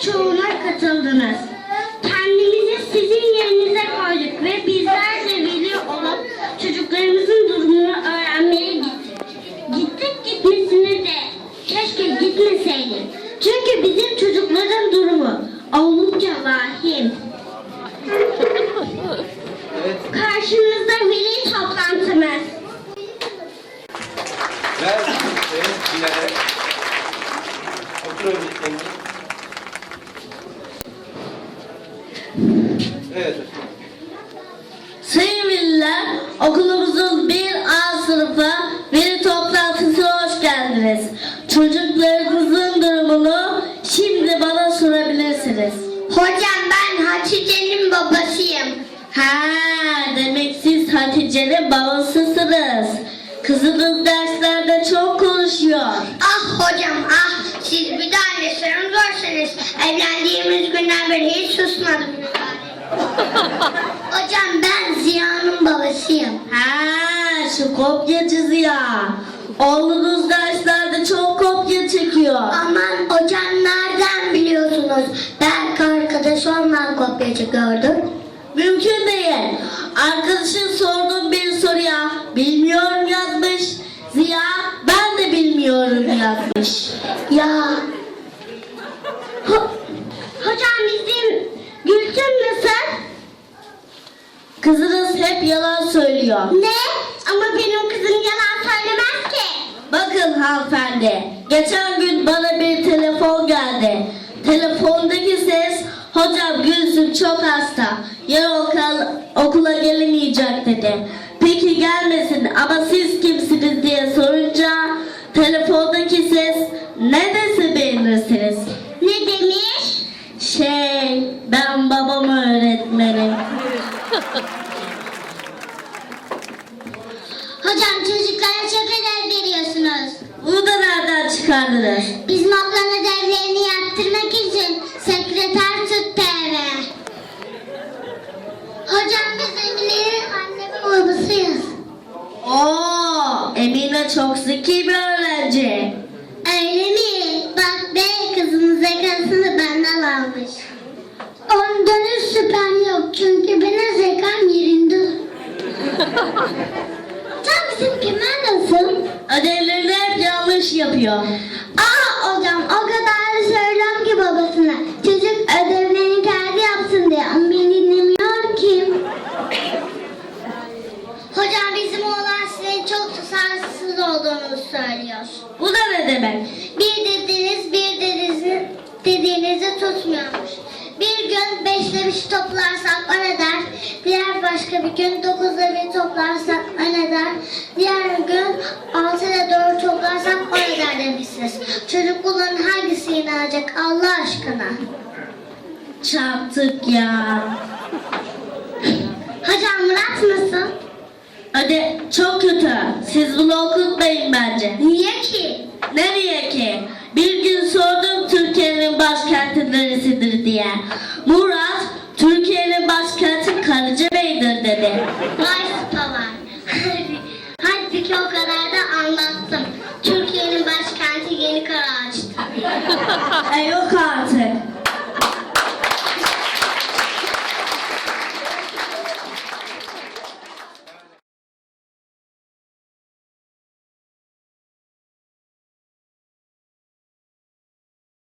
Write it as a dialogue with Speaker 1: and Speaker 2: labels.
Speaker 1: çoğuna katıldınız. Kendimizi sizin yerinize koyduk ve bizler de veli olup çocuklarımızın durumunu öğrenmeye gittik. Gittik gitmesine de keşke gitmeseydik. Çünkü bizim çocukların durumu oldukça vahim. Karşınızda veli toplantımız.
Speaker 2: Ver Bilal'e. Oturabilirsiniz. Evet.
Speaker 3: Sayın veliler, okulumuzun 1A sınıfı veli toplantısına hoş geldiniz. Çocuklarınızın durumunu şimdi bana sorabilirsiniz.
Speaker 1: Hocam ben Hatice'nin babasıyım.
Speaker 3: Ha, demek siz Hatice'nin babasısınız. Kızınız derslerde çok konuşuyor.
Speaker 1: Ah hocam ah, siz bir de annesinin görseniz. Evlendiğimiz günden beri hiç susmadım. Hocam ben Ziya'nın babasıyım.
Speaker 3: Ha, şu kopyacı Ziya. Oğlunuz derslerde çok kopya çekiyor.
Speaker 1: Aman hocam nereden biliyorsunuz? Belki arkadaş ondan kopyacı gördüm.
Speaker 3: Mümkün değil. Arkadaşın sorduğum bir soruya bilmiyorum yazmış. Ziya ben de bilmiyorum yazmış.
Speaker 1: Ya. Hocam bizim Gülsüm nasıl?
Speaker 3: Kızınız hep yalan söylüyor.
Speaker 1: Ne? Ama benim kızım yalan söylemez ki.
Speaker 3: Bakın hanımefendi, geçen gün bana bir telefon geldi. Telefondaki ses, hocam Gülsüm çok hasta, yarın okula gelemeyecek dedi. Peki gelmesin ama siz kimsiniz diye sorunca telefondaki ses ne dese beğenirsiniz.
Speaker 1: Ne demiş?
Speaker 3: Ben babam öğretmenim.
Speaker 1: Hocam çocuklara çok ödev veriyorsunuz.
Speaker 3: Bunu da nereden çıkardınız?
Speaker 1: Biz notların ödevlerini yaptırmak için sekreter tuttu eve. Hocam biz Emine'nin anne ve babasıyız.
Speaker 3: Oo, Emine çok zeki bir öğrenci.
Speaker 1: Öyle mi? Bak be kızımın zekasını benden almış. Ondan hiç şüphem yok çünkü benim zekam yerinde. Hocam bizim Kemal nasıl?
Speaker 3: Ödevlerini hep yanlış yapıyor.
Speaker 1: Aa hocam o kadar da söylüyorum ki babasına. Çocuk ödevlerini kendi yapsın diye ama beni dinlemiyor ki. Hocam bizim oğlan sizin çok tutarsız olduğunuzu söylüyor.
Speaker 3: Bu da ne demek?
Speaker 1: Bir dediğinizi tutmuyormuş. Bir gün 5'te 1 toplarsak o ne der? Diğer başka bir gün 9'da 1 toplarsak o ne der? Diğer gün 6'da 4 toplarsak o ne der demişsiniz. Çocuk bunların hangisine inanacak Allah aşkına?
Speaker 3: Çarptık ya.
Speaker 1: Hocam Murat nasıl?
Speaker 3: Hadi çok kötü. Siz bunu okutmayın bence.
Speaker 1: Niye ki?
Speaker 3: Nereye ki? Bir gün sordum Türkiye'nin başkenti